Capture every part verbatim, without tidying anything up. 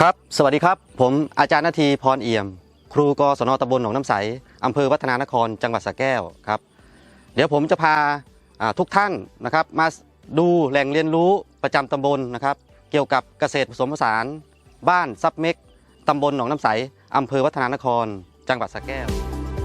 ครับสวัสดีครับผมอาจารย์นาทีพรเอี่ยมครูกศนตำบลหนองน้ำใสอำเภอวัฒนานครจังหวัดสระแก้วครับเดี๋ยวผมจะพาทุกท่านนะครับมาดูแหล่งเรียนรู้ประจำตำบลนะครับเกี่ยวกับเกษตรผสมผสานบ้านซับเม็กตำบลหนองน้ำใสอำเภอวัฒนานครจังหวัดสระแก้ว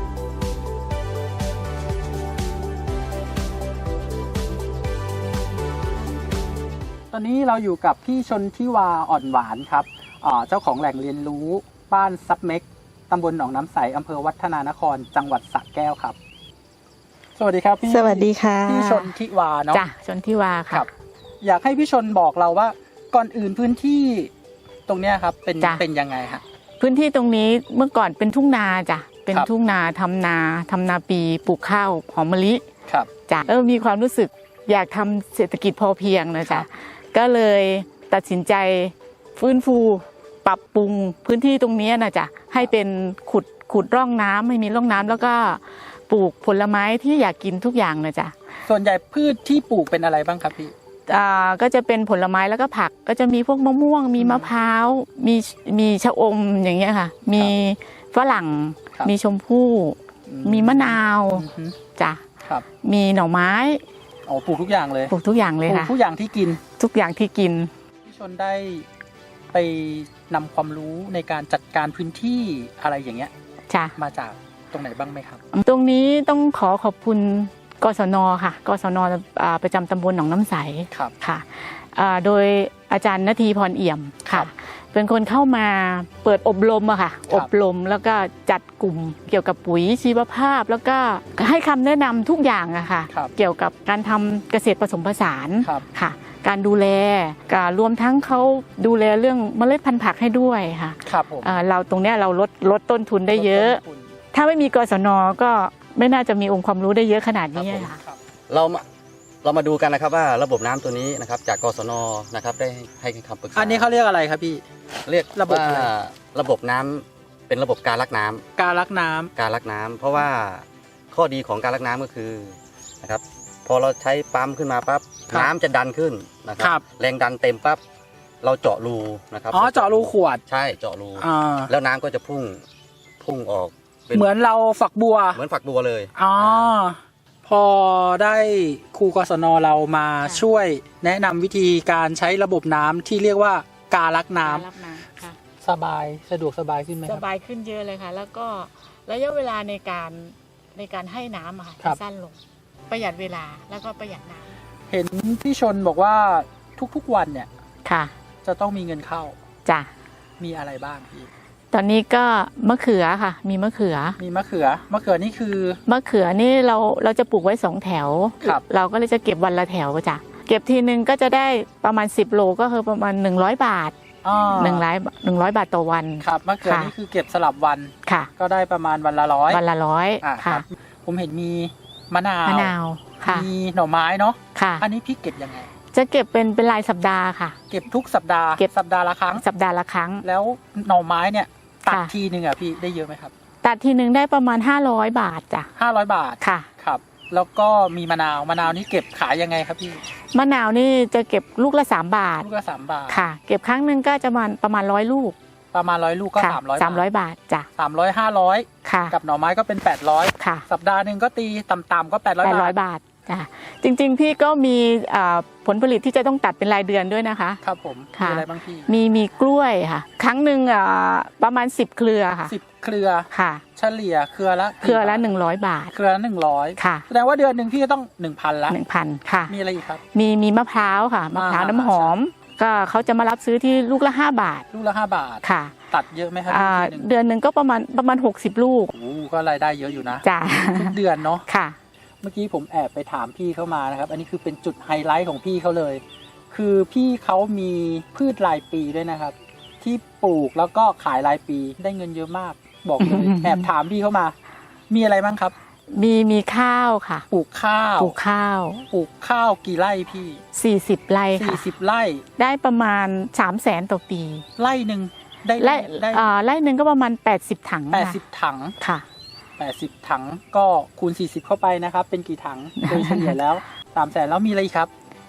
ตอนนี้เราอยู่กับพี่ชนทิวาอ่อนหวานครับเจ้าของแหล่งเรียนรู้บ้านซับเม็กตำบลหนองน้ำใสอำเภอวัฒนานครจังหวัดสระแก้วครับสวัสดีครับพี่สวัสดีค่ะพี่ชนทิวาเนาะจ้ะชนทิวาค่ะอยากให้พี่ชนบอกเราว่าก่อนอื่นพื้นที่ตรงเนี้ยครับเป็นเป็นยังไงฮะพื้นที่ตรงนี้เมื่อก่อนเป็นทุ่งนาจ้ะเป็นทุ่งนาทำนาทำนาปีปลูกข้าวหอมมะลิครับจ้ะแล้วมีความรู้สึกอยากทำเศรษฐกิจพอเพียงนะจ๊ะก็เลยตัดสินใจฟื้นฟูปรับปรุงพื้นที่ตรงนี้นะจ๊ะให้เป็นขุดขุดร่องน้ำไม่มีร่องน้ำแล้วก็ปลูกผลไม้ที่อยากกินทุกอย่างนะจ๊ะส่วนใหญ่พืชที่ปลูกเป็นอะไรบ้างครับพี่อ่าก็จะเป็นผลไม้แล้วก็ผักก็จะมีพวกมะม่วงมีมะพร้าวมีมีชะอมอย่างเงี้ยค่ะมีฝรั่งมีชมพู่มีมะนาวจ้ะมีหน่อไม้อ๋อปลูกทุกอย่างเลยปลูกทุกอย่างเลยค่ะปลูกทุกอย่างที่กินทุกอย่างที่กินพี่ชนได้ไปนำความรู้ในการจัดการพื้นที่อะไรอย่างเงี้ยจ้ะมาจากตรงไหนบ้างไหมครับตรงนี้ต้องขอขอบคุณกศนค่ะกศนประจำตำบลหนองน้ำใสค่ะโดยอาจารย์นาทีพรเอี่ยมค่ะเป็นคนเข้ามาเปิดอบรมอะค่ะอบรมแล้วก็จัดกลุ่มเกี่ยวกับปุ๋ยชีวภาพแล้วก็ให้คำแนะนำทุกอย่างอะค่ะเกี่ยวกับการทำเกษตรผสมผสานค่ะการดูแลการรวมทั้งเขาดูแลเรื่องเมล็ดพันธุ์ผักให้ด้วยค่ะเราตรงนี้เราลดลดต้นทุนได้เยอะถ้าไม่มีกศนก็ไม่น่าจะมีองค์ความรู้ได้เยอะขนาดนี้ค่ะเราเรามาดูกันนะครับว่าระบบน้ำตัวนี้นะครับจากกศนนะครับได้ให้คำปรึกษาอันนี้เขาเรียกอะไรครับพี่เรียกระบบระบบน้ำเป็นระบบการลักน้ำการลักน้ำการลักน้ำเพราะว่าข้อดีของการลักน้ำก็คือนะครับพอเราใช้ปั๊มขึ้นมาปั๊บน้ำจะดันขึ้นนะครับแรงดันเต็มปั๊บเราเจาะรูนะครับอ๋อเจาะรูขวดใช่เจาะรูแล้วน้ำก็จะพุ่งพุ่งออกเหมือนเราฝักบัวเหมือนฝักบัวเลยอ๋อพอได้ครูกศนเรามาช่วยแนะนำวิธีการใช้ระบบน้ำที่เรียกว่าการลักน้ำสบายสะดวกสบายขึ้นไหมสบายขึ้นเยอะเลยค่ะแล้วก็ระยะเวลาในการในการให้น้ำค่ะจะสั้นลงประหยัดเวลาแล้วก็ประหยัดน้ำเห็นพี่ชนบอกว่าทุกๆวันเนี่ยค่ะจะต้องมีเงินเข้าจ้ะมีอะไรบ้างพี่ตอนนี้ก็มะเขือค่ะมีมะเขือมีมะเขือมะเขือนี่คือมะเขือนี่เราเราจะปลูกไว้สองแถวเราก็เลยจะเก็บวันละแถวจ้ะเก็บทีนึงก็จะได้ประมาณสิบโลก็คือประมาณหนึ่งร้อยบาทหนึ่งร้อยหนึ่งร้อยบาทต่อวันครับมะเขือนี่คือเก็บสลับวันค่ะก็ได้ประมาณวันละร้อยวันละร้อยค่ะผมเห็นมีมะนาวมะนาวค่ะมีหน่อไม้เนาะค่ะอันนี้พี่เก็บยังไงจะเก็บเป็นเป็นรายสัปดาห์ค่ะเก็บทุกสัปดาห์เก็บสัปดาห์ละครั้งสัปดาห์ละครั้งแล้วหน่อไม้เนี่ยตัดทีนึงอ่ะพี่ได้เยอะไหมครับตัดทีนึงได้ประมาณห้าร้อยบาทจ้ะห้าร้อยบาทค่ะครับแล้วก็มีมะนาวมะนาวนี่เก็บขายยังไงครับพี่มะนาวนี่จะเก็บลูกละสามบาทลูกละสามบาทค่ะเก็บครั้งนึงก็จะประมาณประมาณร้อยลูกประมาณร้อยลูกก็สามร้อยสามร้อยบาทจ้ะสามร้อยห้าร้อยค่ะกับหน่อไม้ก็เป็นแปดร้อยค่ะสัปดาห์นึงก็ตีต่ำๆก็แปดร้อยบาทแปดร้อยบาทจ้ะจริงๆพี่ก็มีผลผลิตที่จะต้องตัดเป็นรายเดือนด้วยนะคะครับผมมีอะไรบ้างพี่มีมีกล้วยค่ะครั้งหนึ่งประมาณสิบเครือค่ะสิบเครือค่ะเฉลี่ยเครือละเครือละหนึ่งร้อยบาทเครือละหนึ่งร้อยค่ะแสดงว่าเดือนหนึ่งพี่ก็ต้องหนึ่งพันละหนึ่งพันค่ะมีอะไรอีกครับมีมีมะพร้าวค่ะมะพร้าวน้ำหอมก็เขาจะมารับซื้อที่ลูกละห้าบาทลูกละห้าบาทค่ะตัดเยอะไหมครับเดือนหนึ่งก็ประมาณประมาณหกสิบลูกโอ้ก็รายได้เยอะอยู่นะจ้ะทุกเดือนเนาะค่ะเมื่อกี้ผมแอบไปถามพี่เข้ามานะครับอันนี้คือเป็นจุดไฮไลท์ของพี่เขาเลยคือพี่เขามีพืชรายปีด้วยนะครับที่ปลูกแล้วก็ขายรายปีได้เงินเยอะมากบอกเลย แอบถามพี่เข้ามามีอะไรบ้างครับมีมีข้าวค่ะปลูกข้าวปลูกข้าวปลูกข้าวกี่ไร่พี่สี่สิบไร่ค่ะสี่สิบไร่ได้ประมาณสามแสนต่อปีไร่หนึ่งได้ไร่ไร่หนึ่งก็ประมาณแปดสิบถังแปดสิบถังค่ะแปดสิบถังก็คูณสี่สิบเข้าไปนะครับเป็นกี่ถังโดยเฉลี่ยแล้วสามแสนแล้วมีอะไรครับ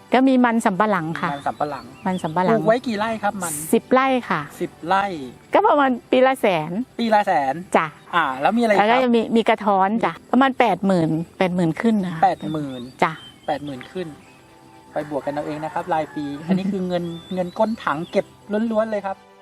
ก็มีมันสำปะหลังค่ะมันสำปะหลังมันสำปะหปลัลูงกไว้กี่ไร่ครับมันสิบไร่ค่ะสิบไร่ก็ประมาณปีละแสนปีละแสนจ้ะอ่า แล้วมีอะไรแล้วคก็รับจะมีมีกระท้อนจ้ะประมาณแปดหมื่นแปดหมื่นขึ้นนะคะแปดหมื่นจ้ะแปดหมื่นขึ้น ไปบวกกันเอาเองนะครับ รายปี อันนี้คือเงินเงินก้นถังเก็บล้วนๆเลยครับ